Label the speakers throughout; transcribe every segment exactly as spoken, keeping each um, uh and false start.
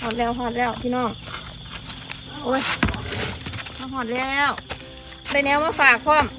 Speaker 1: อดแล้วหอดแล้วพี่น้องโอ้ยมาหอดแล้วได้แนวมาฝากพร้อม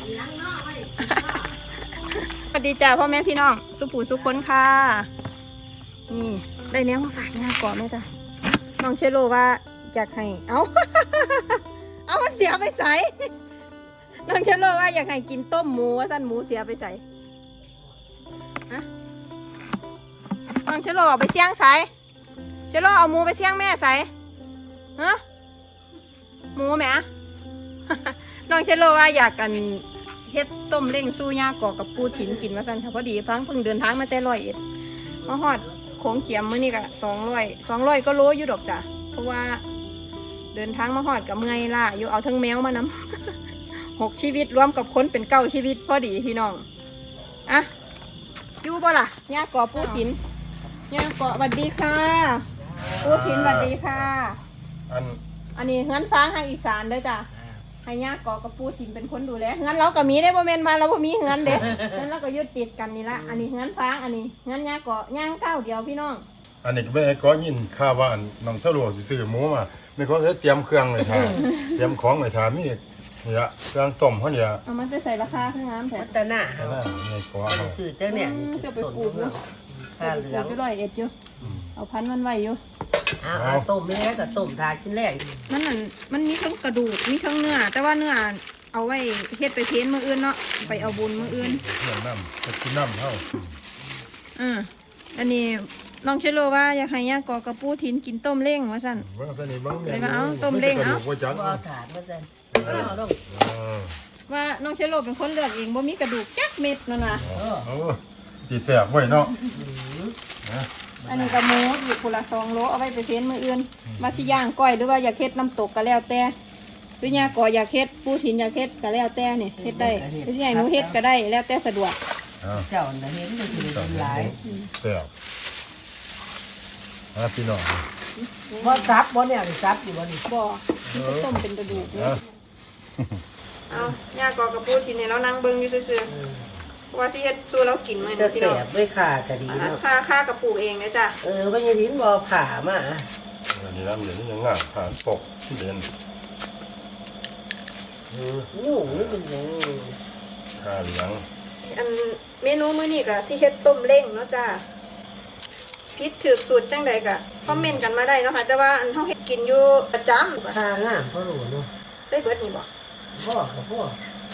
Speaker 1: สวัสดีจ้าพ่อแม่พี่น้องสุผูสุคนค่ะนี่ได้แนวมาฝากงานก่อนไหมจ้ะน้องเชโลว่าอยากให้เอาเอามันเสียไปใส่น้องเชโลว่าอยากให้กินต้มหมูว่าสั้นหมูเสียไปใส่ฮะน้องเชโลเอาไปเสี่ยงใส่เชโลเอาหมูไปเสี่ยงแม่ใส่ฮะหมูไหมน้องเชโลว่าอยากกันเฮ็ดต้มเล้งสู้ย่ากอกกับปูถิ่นกินมาสั่นค่ะพอดีฟังเพิ่งเดินทางมาแต่ร้อยเอ็ดมาฮอดโขงเจียมมื้อนี้ก็สองร้อยสองร้อยก็โลอยู่ดอกจ้ะเพราะว่าเดินทางมาฮอดกับเมื่อยล่ะอยู่เอาทั้งแมวมานำ หกชีวิตรวมกับคนเป็นเก้าชีวิตพอดีพี่น้องอะอยู่บ่ล่ะย่ากอปูถิ่นย่ากอสวัสดีค่ะปูถิ่นสวัสดีค่ะอันอันนี้งั้นฟ้าทางอีสานเด้อจ้ะให้ย่ากอกับปูถิ่นเป็นคนดูแลงั้นเราก็มีได้บ่แม่นมาเราบ่มีงั้นเด้งั้นเราก็ยึดติดกันนี่ละอันนี้งั้นฟ้าอันนี้งั้นย่ากอย่างก้าวเดียวพี่น้อง
Speaker 2: อันนี้ก็ไม่ก็ยินข่าวว่าน้องสะดวกสิซื้อหมูมาไม่ก็เตรียมเครื่องเลยท่าเตรียมของเลยท่ามีนี่ละเครื่องต้มเขาเนี่ย
Speaker 1: เอามันจะใส่ราคาข้างน้ำแถม
Speaker 3: แต่หน้า
Speaker 2: นี่นี่ก็
Speaker 3: เอาซื้อเจ้าเนี่ย
Speaker 1: จะไปปลูกเนาะจะไปปลูกไปร้อยเอ็ดอยู่เอาพันมันไว้อยู่
Speaker 3: เอาต้มไม่ได้ก็ต้มทากินแรก
Speaker 1: มันนั่นมันมีทั้งกระดูกมีทั้งเนื้อแต่ว่าเนื้อเอาไว้เฮ็ดไปเทนมื้ออื่นเนาะไปเอาบุญมื้ออื่น
Speaker 2: เนื้อน้ำจะกินน้ำเท่า
Speaker 1: อืมอันนี้น้องเชโลว่าอยากให้ย่ากอกระปูถิ่นกินต้มเล้งว่าซั่น
Speaker 2: ว่าซั่นนี่บัง
Speaker 1: เลยมาเอาต้มเล้งเอา
Speaker 3: เอาถาดมาซั่นเอาลง
Speaker 1: ว่าน้องเชโลเป็นคนเลือกเองบ่มีกระดูกจักเม็ดนั่นน่ะ
Speaker 2: เออสิแซ่บไว้เนาะ
Speaker 1: อันนี้ก็หมูอยู่คนละสองโลเอาไว้ไปเทนมื้ออื่นมาสิย่างก้อยหรือว่าอยากเฮ็ดน้ำตกก็แล้วแต่หรือย่ากออยากเฮ็ดปูถิ่นอยากเฮ็ดก็แล้วแต่นี่เฮ็ดได้หรือสิให้หนูเฮ็ดก็ได้แล้วแต่สะดวก
Speaker 3: เจ้าน่ะเห็นก็คือหลาย
Speaker 2: แซ่บอ่ะพี่น้อง
Speaker 3: บ่ซับบ่เนี่ยซับอยู่บ่นี่
Speaker 1: บ่มันจะต้มเป็นกระดูกเนาะเอาย่ากอกระปูถิ่นนี่เรานั่งเบิ่งอยู่ซื่อๆว่าที่เฮ็ดสู่เรากินมื้อนี้พี่น้อง
Speaker 3: ไม่ขาก็ดีเนาะ
Speaker 1: ค่าค่ากระปูเองนะจ้ะ
Speaker 3: เออบ่ยังหินบ่ผ่ามา
Speaker 2: อันนี้น้ำเหลืองยังงามผ่านปกที่เด่น
Speaker 3: เอองูนี่เป็นยัง
Speaker 2: ผ่าเหลือง
Speaker 1: อันเมนูมื้อนี้ก็สิเฮ็ดต้มเล้งเนาะจ้ะผิดถูกสูตรจังใดก็คอมเมนต์กันมาได้เนาะค่ะแต่ว่าอันเฮาเฮ็ดกินอยู่ประจำ
Speaker 3: ค่างามพอรู้เนาะ
Speaker 1: ใส่เบิดนี่บ่
Speaker 3: พ่อกับพ่อ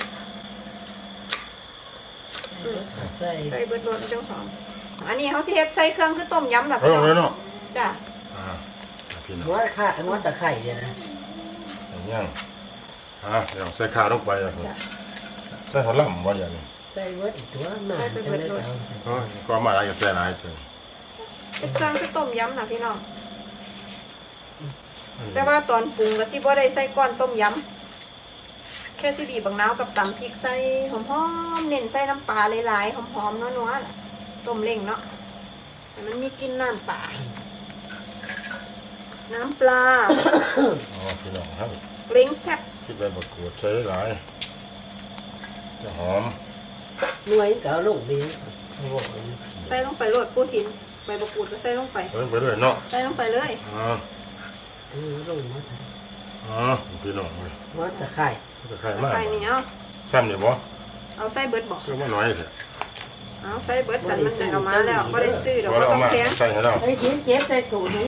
Speaker 3: ใส่
Speaker 1: ใส่เบิดรสจังหอมอันนี้เฮาสิเฮ็ดใส่เครื่องคือต้มยำล่ะ
Speaker 2: พี่น้องเนาะ
Speaker 1: จ้ะ
Speaker 2: อ่าพี่น้อง
Speaker 3: หัวข่าหัวตะไคร้เนี่ยนะ
Speaker 2: อย่างอ่ะอย่างใส่ข่าลงไปอ่ะใส่หัวล่ำบ่อย่างนี้
Speaker 3: ใส่เบิดตัวมาใส่เบิดรส
Speaker 2: ก็ก็มาอะไรก็ใส่หลายจัง
Speaker 1: เป็นเครื่องคือต้มยำน่ะพี่น้องแต่ว่าตอนปรุงก็สิบ่ได้ใส่ก้อนต้มยำแค่สิบีบบางนาวกับตำพริกใส่หอมๆเน้นใส่น้ำปลาหลายๆหอมๆนัวๆล่ะต้มเล้งเนาะแต่มันมีกลิ่นน้ำปลาน้ำปลา
Speaker 2: อ๋อพี่น้องครับ
Speaker 1: เล้งแซ่บ
Speaker 2: คิดไปประกวดใช้หลายจะหอม
Speaker 3: หน่วยก็ลงดี
Speaker 1: ใส่ลงไปโรดปูถิ่นใบมะกรูดก็ใส่ลงไป
Speaker 2: ใส่ลงไปเลยเนาะ
Speaker 1: ใส่ลงไปเลย
Speaker 2: อ๋อ
Speaker 3: เออลงมา
Speaker 2: อ๋อพี่น้องเลย
Speaker 3: ว่าตะไคร้
Speaker 2: ตะไคร้มาก
Speaker 1: ตะไคร้นี่เอา
Speaker 2: ซ้ำเนี่ยบ่
Speaker 1: เอาใส่เบิดบ่
Speaker 2: ก็มาน้อยสิ
Speaker 1: เอาใส่เบิดสันมันได้เอามาแล้วก็ได้ซื้อดอกก็ต้องแพง
Speaker 2: ใส่ให้เรา
Speaker 3: ไอ้ชิ้นเจ็บใส่ตู้